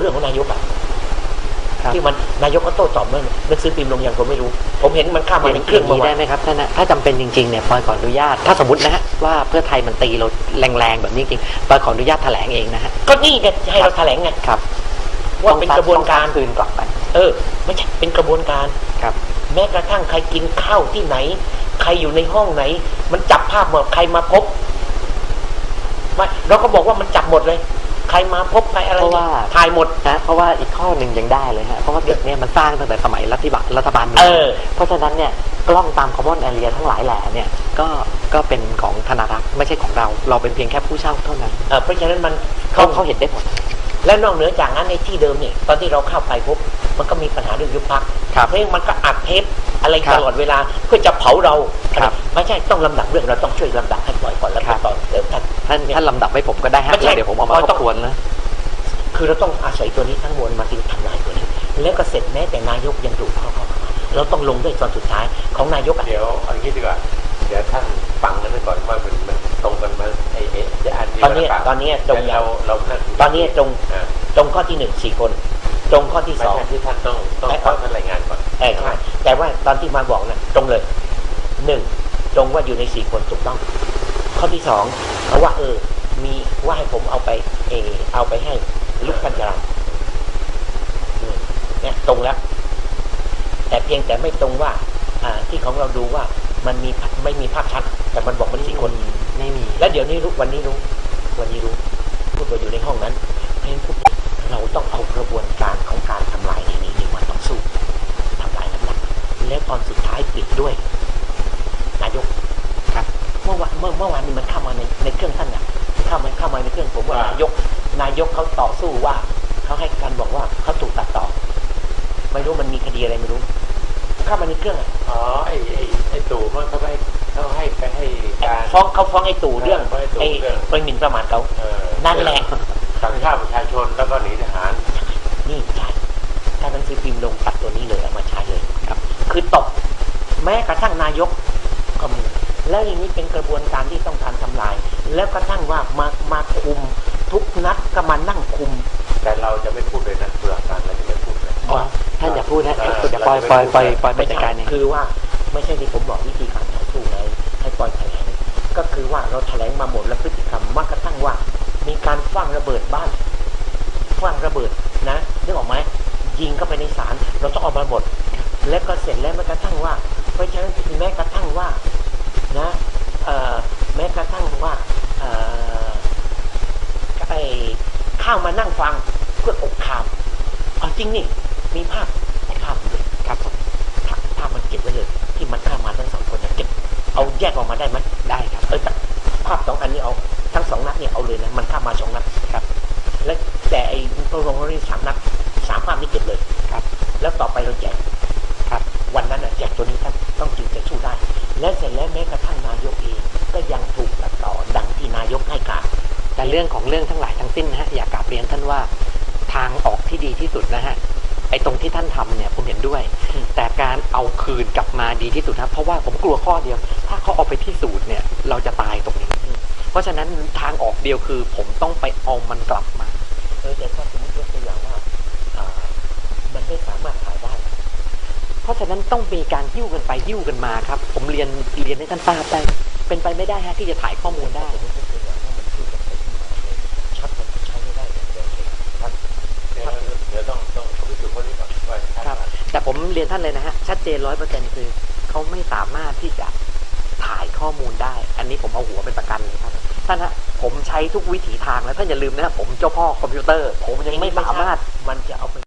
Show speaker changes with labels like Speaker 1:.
Speaker 1: รื่องของนายกอะที่มันนายกก็โต้ตอบเมื่อหนังสือพิมพ์ลงอย่างผมไม่รู้ผมเห็นมันข้ามมาในเครื่องมา
Speaker 2: ได้ไหมครับท่านนะถ้าจำเป็นจริงๆเนี่ยปอยขออนุญาตถ้าสมมตินะฮะว่าเพื่อไทยมันตีเราแรงๆแบบนี้จริงปอยขออนุญาตแถลงเองนะฮะ
Speaker 1: ก็นี่ไงให้เราแถลงไง
Speaker 2: ครับ
Speaker 1: ว่าเป็นกระบวนการ
Speaker 2: คืนกลับไป
Speaker 1: ไม่ใช่เป็นกระบวนการ
Speaker 2: ครับ
Speaker 1: แม้กระทั่งใครกินข้าวที่ไหนใครอยู่ในห้องไหนมันจับภาพหมดใครมาพบเราก็บอกว่ามันจับหมดเลยใครมาพบใครอะไรถ่ายหมด
Speaker 2: นะเพราะว่าอีกข้อหนึ่งยังได้เลยฮะเพราะว่าเด็กเนี่ยมันสร้างตั้งแต่สมัยรัฐบาลเพราะฉะนั้นเนี่ยกล้องตามคอมมอนแอเรียทั้งหลายแหล่เนี่ยก็เป็นของธนารักษ์ไม่ใช่ของเราเป็นเพียงแค่ผู้เช่าเท่านั้น
Speaker 1: เพราะฉะนั้นมัน
Speaker 2: เขาเห็นได้หมด
Speaker 1: และนอกเหนือจากนั้นในที่เดิมเนี่ยตอนที่เราเข้าไปพบมันก็มีปัญหาเรื่องยุบพรรคเพราะมันก็อัดเทปอะไรตลอดเวลาเพื่อจะเผาเราไม่ใช่ต้องลำดับเรื่องเราต้องช่วยลำดับให้ปล่อยก่อนแล้วต่อเดี๋ยว
Speaker 2: ท่านลำดับให้ผมก็ได้ฮะเดี๋ยวผมเอามาทบทวนนะ
Speaker 1: คือเราต้องอาศัยตัวนี้ทั้งมวลมาที่ทำลายตัวนี้แล้วก็เสร็จแม้แต่นายกยังดูเข้าเราต้องลงด้วยตอนสุดท้ายของนายก
Speaker 3: เดี๋ยวเอาอย่างนี้ดีกว่าเดี๋ยวท่านฟังกันไปก่อนว่ามันตรงกันมา
Speaker 1: ตอนนี้ตรง
Speaker 3: เรา
Speaker 1: ตอนนี้ตรงข้อที่1 4 คนตรงข้อที่2
Speaker 3: ที่ท่านต้องท่านรายงานก่อน
Speaker 1: ใช่แต่ว่าตอนที่มาบอกนะตรงเลย1ตรงว่าอยู่ใน4 คนถูกต้องข้อที่2เขาว่ามีว่าให้ผมเอาไปให้ลูกกัญจาเนี่ยตรงแล้วแต่เพียงแต่ไม่ตรงว่าที่ของเราดูว่ามันไม่มีภาพชัดแต่มันบอกมัน4 คน
Speaker 2: ไม่มี
Speaker 1: แล้วเดี๋ยวนี้วันนี้รู้พูดว่าอยู่ในห้องนั้นเพราะฉะนั้นเราต้องเอากระบวนการของการทำลายในนี้มาต้องสู้ทำลายน้ำหนักและตอนสุดท้ายปิดด้วยนายก
Speaker 2: ครับ
Speaker 1: เมื่อวานนี้มันเข้ามาในเครื่องท่านน่ะเข้ามาในเครื่องผมว่านายกเขาต่อสู้ว่าเขาให้การบอกว่าเขาถูกตัดต่อไม่รู้มันมีคดีอะไรไม่รู้เข้ามาในเครื่อง
Speaker 3: ไอ้ตู่มันเขาให้ไปให้การ
Speaker 1: ฟ้องไอ้ตู่เรื่องไอ้หมิ่นประมาทเขานั่นแหละ
Speaker 3: สั่งฆ่าประชาชนแล้วก็หนีทหาร
Speaker 1: นี่ใช่การหนังสือพิมพ์ลงตัดตัวนี้เลยเอามาใช้เลยครับคือตกแม้กระทั่งนายกก็มีแล้วอย่างนี้เป็นกระบวนการที่ต้องการทำลายแล้วกระทั่งว่ามาคุมทุกนัดก็มานั่งคุม
Speaker 3: แต่เราจะไม่พูดเลยนะเพื่อการเราจะไม่พูดเลย
Speaker 2: ท่านอย่าพูดนะจะปล่อยไปจัดการเอง
Speaker 1: คือว่าไม่ใช่ที่ผมบอกวิธีการต่อสู้ไงให้ปล่อยแถลงก็คือว่าเราแถลงมาหมดแล้วพฤติกรรมว่ากระทั่งว่ามีการฝังระเบิดบ้านฝังระเบิดนะนึกออกไหมยิงเข้าไปในศาลเราต้องออกมาหมดแล้วก็เสร็จแล้วแม้กระทั่งว่าเพราะฉะนั้นแม้กระทั่งว่านะแม้กระทั่งว่าเข้ามานั่งฟังเพื่ออกข่าวจริงนี่มีภาพเลย
Speaker 2: ครับ
Speaker 1: ภาพมันเก็บไว้เลยที่มันเข้ามาทั้ง2 คนจะเก็บเอาแยกออกมาได้ไหม
Speaker 2: ได้ครับ
Speaker 1: ภาพ2 อันนี้เอาทั้ง2 นัดเนี่ยเอาเลยนะมันเข้ามา2 นัด
Speaker 2: ครับ
Speaker 1: และแต่ไอ้ตัวลงเรื่อง3 นัด3 ภาพนี้เก็บเลย
Speaker 2: ครับ
Speaker 1: แล้วต่อไปเราแจก
Speaker 2: ครับ
Speaker 1: วันนั้นแจกตัวนี้ท่านต้องจึงจะสู้ได้และเสร็จแล้วแม้กระทั่งนายกเองก็ยังถูกตัดต่อดังที่นายกให้การ
Speaker 2: แต่เรื่องของเรื่องทั้งหลายทั้งสิ้นนะฮะอยากกราบเรียนท่านว่าทางออกที่ดีที่สุดนะฮะไอ้ตรงที่ท่านทำเนี่ยผมเห็นด้วยแต่การเอาคืนกลับมาดีที่สุดครับเพราะว่าผมกลัวข้อเดียวถ้าเขาเอาไปพิสูจน์เนี่ยเราจะตายตรงนี้เพราะฉะนั้นทางออกเดียวคือผมต้องไปเอามันกลับมา
Speaker 1: แต่ถ้าสมมติยกตัวอย่างว่ามันไม่สามารถขายได้
Speaker 2: เพราะฉะนั้นต้องมีการยิ้วกันไปยิ้วกันมาครับผมเรียนให้ท่านทราบได้เป็นไปไม่ได้ฮะที่จะถ่ายข้อมูลได้
Speaker 3: เดี๋ยวต้องพิสูจน์คนนี้ก่อน
Speaker 2: ครับแต่ผมเรียนท่านเลยนะฮะชัดเจน 100% คือเขาไม่สามารถที่จะถ่ายข้อมูลได้อันนี้ผมเอาหัวเป็นประกันเลยครับท่านฮะผมใช้ทุกวิถีทางแล้วท่านอย่าลืมนะผมเจ้าพ่อคอมพิวเตอร์ผมยังไม่สามารถ
Speaker 1: มันจะเอาไป